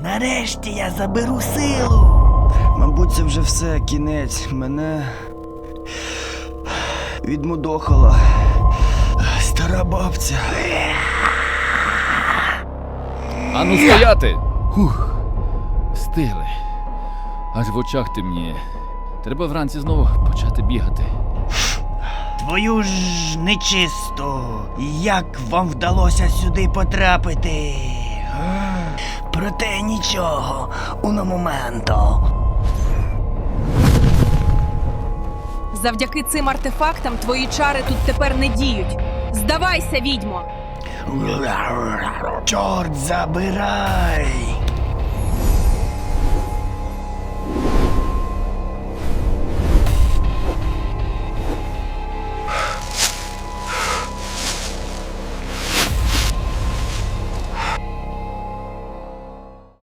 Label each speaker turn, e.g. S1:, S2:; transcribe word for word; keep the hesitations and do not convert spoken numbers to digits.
S1: Нарешті я заберу силу.
S2: Мабуть, це вже все, кінець. Мене відмудохала стара бабця.
S3: Ану стояти! Хух, встигли. Аж в очах темніє. Треба вранці знову почати бігати.
S1: Твою ж нечисту. Як вам вдалося сюди потрапити? Га? Проте нічого, уно моменто.
S4: Завдяки цим артефактам твої чари тут тепер не діють. Здавайся, відьмо!
S1: Чорт забирай!